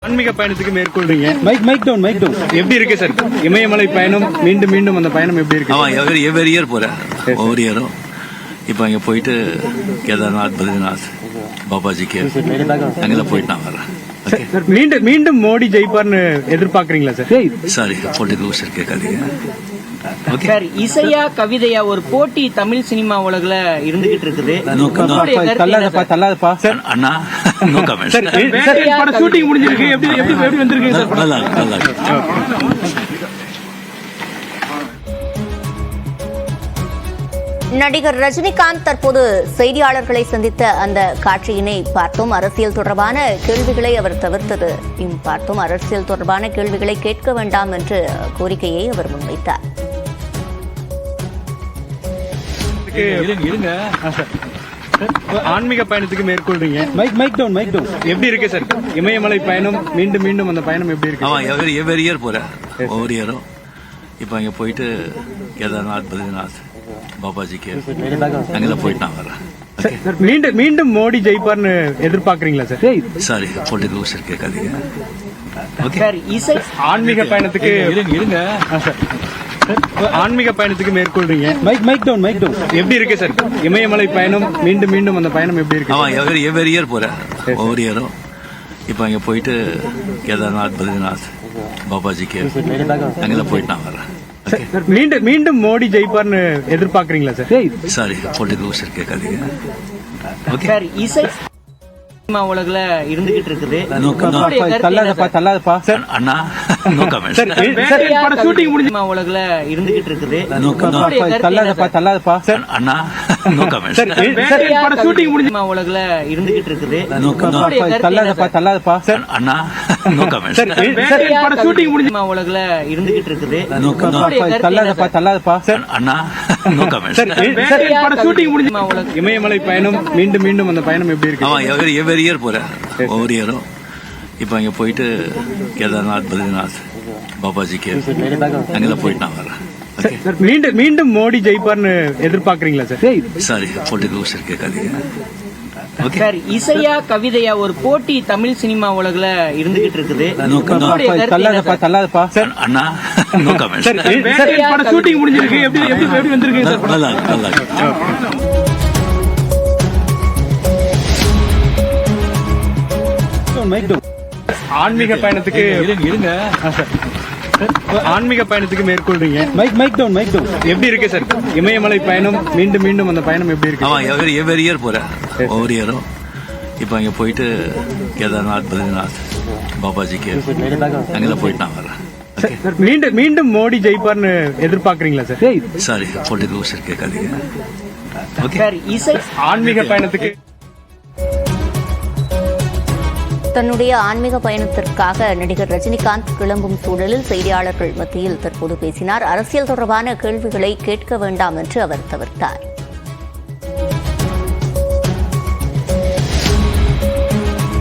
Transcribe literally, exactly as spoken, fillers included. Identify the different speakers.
Speaker 1: ஆன்மீக பயணத்துக்கு மேற்கொள்றீங்க.
Speaker 2: Mike mike down mike down
Speaker 1: எப்படி இருக்கு சார் இமயமலை பயணம்? மீண்டும் மீண்டும் அந்த பயணம் எப்படி இருக்கு?
Speaker 3: ஆமா, எவரி எவரி இயர் போறேன், ஒவ்வொரு இயரும். இப்போ அங்கே போயிட்டு கேதார்நாத், பத்ரிநாத், பாபாஜிக்கு அங்கெல்லாம் போயிட்டு நான் வரேன்.
Speaker 1: மீண்டும் மீண்டும் மோடி ஜெயிப்பார்னு எதிர்பார்க்கறீங்களா சார்?
Speaker 3: சாரி, பொலிட்டிக்கல் விஷயம் கேட்காதீங்க.
Speaker 4: சார், இசையா கவிதையா ஒரு போட்டி தமிழ் சினிமா உலகில் இருந்துகிட்டு இருக்குது.
Speaker 3: அண்ணா நோ கமெண்ட்.
Speaker 1: ஷூட்டிங் முடிஞ்சிருக்கு, எப்படி எப்படி எப்படி வந்திருக்கு சார்?
Speaker 3: நல்லா நல்லா.
Speaker 5: நடிகர் ரஜினிகாந்த் தற்போது செய்தியாளர்களை சந்தித்த அந்த காட்சியினை பார்த்தோம். அரசியல் தொடர்பான கேள்விகளை அவர் தவிர்த்தது பார்த்தோம். அரசியல் தொடர்பான கேள்விகளை கேட்க வேண்டாம் என்ற கோரிக்கையை அவர் முன்வைத்தார்.
Speaker 1: ஆன்மீக பயணத்துக்கு மேற்கொள்றீங்க.
Speaker 2: Mike mike down mike down
Speaker 1: எப்படி இருக்கு சார் இமயமலை பயணம்? மீண்டும் மீண்டும் அந்த பயணம் எப்படி இருக்கு?
Speaker 3: ஆமா, எவரி எவரி இயர் போறேன், ஒவ்வொரு இயரும். இப்போ அங்கே போயிட்டு கேதார்நாத், பத்ரிநாத், பாபாஜிக்கு அங்கெல்லாம் போயிட்டு நான் வரேன்.
Speaker 1: மீண்டும் மீண்டும் மோடி ஜெயிப்பார்னு எதிர்பார்க்கறீங்களா சார்?
Speaker 3: சாரி, பொலிட்டிக்கல் விஷயம் கேட்காதீங்க.
Speaker 4: சார், இசை
Speaker 1: ஆன்மீக பயணத்துக்கு
Speaker 3: இருங்க.
Speaker 1: ஆன்மீக பயணத்துக்கு மேற்கொள்றீங்க.
Speaker 2: Mike mike down mike down
Speaker 1: எப்படி இருக்கு சார் இமயமலை பயணம்? மீண்டும் மீண்டும் அந்த பயணம் எப்படி இருக்கு?
Speaker 3: ஆமா, எவரி எவரி இயர் போறேன், ஒவ்வொரு இயரும். இப்போ அங்கே போயிட்டு கேதார்நாத், பத்ரிநாத், பாபாஜிக்கு அங்கெல்லாம் போயிட்டு நான் வரேன்.
Speaker 1: மீண்டும் மீண்டும் மோடி ஜெயிப்பார்னு எதிர்பார்க்கறீங்களா சார்?
Speaker 3: சாரி, பொலிட்டிக்கல் விஷயம் கேட்காதீங்க.
Speaker 4: சார், இசை சினிமா உலகில் இருந்துகிட்டு இருக்குது.
Speaker 3: அண்ணா நோ கமெண்ட்.
Speaker 1: ஷூட்டிங் முடிஞ்சு
Speaker 4: சினிமா உலகில் இருந்துகிட்டு இருக்குது.
Speaker 3: அண்ணா நோ கமெண்ட்.
Speaker 1: ஷூட்டிங் முடிஞ்சு
Speaker 4: சினிமா உலகில் இருந்துகிட்டு இருக்குது.
Speaker 3: அண்ணா நோ கமெண்ட்.
Speaker 1: ஷூட்டிங் முடிஞ்சு
Speaker 4: சினிமா உலகில் இருந்துகிட்டு இருக்குது.
Speaker 3: அண்ணா நோ கமெண்ட்.
Speaker 1: ஷூட்டிங் முடிஞ்சு இமயமலை பயணம் மீண்டும் மீண்டும் அந்த பயணம் எப்படி இருக்கு?
Speaker 3: ஆமா, எவரி எவரி இயர் போறேன், ஒவ்வொரு இயரும். இப்போ அங்கே போயிட்டு கேதார்நாத், பத்ரிநாத், பாபாஜிக்கு அங்கெல்லாம் போயிட்டு நான் வரேன்.
Speaker 1: மீண்டும் மீண்டும் மோடி ஜெயிப்பார்னு எதிர்பார்க்கறீங்களா சார்?
Speaker 3: சாரி, பொலிட்டிக்கல் விஷயம் கேட்காதீங்க.
Speaker 4: சார், இசையா கவிதையா ஒரு போட்டி தமிழ் சினிமா உலகில் இருந்துகிட்டு இருக்குது.
Speaker 3: அண்ணா நோ கமெண்ட்.
Speaker 1: ஷூட்டிங் முடிஞ்சிருக்கு, எப்படி எப்படி எப்படி வந்திருக்கு சார்?
Speaker 3: நல்லா நல்லா.
Speaker 1: ஆன்மீக பயணத்துக்கு
Speaker 3: இருங்க.
Speaker 1: ஆன்மீக பயணத்துக்கு மேற்கொள்றீங்க.
Speaker 2: Mike mike down mike down
Speaker 1: எப்படி இருக்கு சார் இமயமலை பயணம்? மீண்டும் மீண்டும் அந்த பயணம் எப்படி இருக்கு?
Speaker 3: ஆமா, எவரி எவரி இயர் போறேன், ஒவ்வொரு இயரும். இப்போ அங்கே போயிட்டு கேதார்நாத், பத்ரிநாத், பாபாஜிக்கு அங்கெல்லாம் போயிட்டு நான் வரேன்.
Speaker 1: மீண்டும் மீண்டும் மோடி ஜெயிப்பார்னு எதிர்பார்க்கறீங்களா சார்?
Speaker 3: சாரி, பொலிட்டிக்கல் விஷயம் கேட்காதீங்க.
Speaker 4: சார், இசை
Speaker 1: ஆன்மீக பயணத்துக்கு
Speaker 5: தன்னுடைய ஆன்மீக பயணத்திற்காக நடிகர் ரஜினிகாந்த் கிளம்பும் சூழலில் செய்தியாளர்கள் மத்தியில் தற்போது பேசினார். அரசியல் தொடர்பான கேள்விகளை கேட்க வேண்டாம் என்று அவர் தவிர்த்தார்.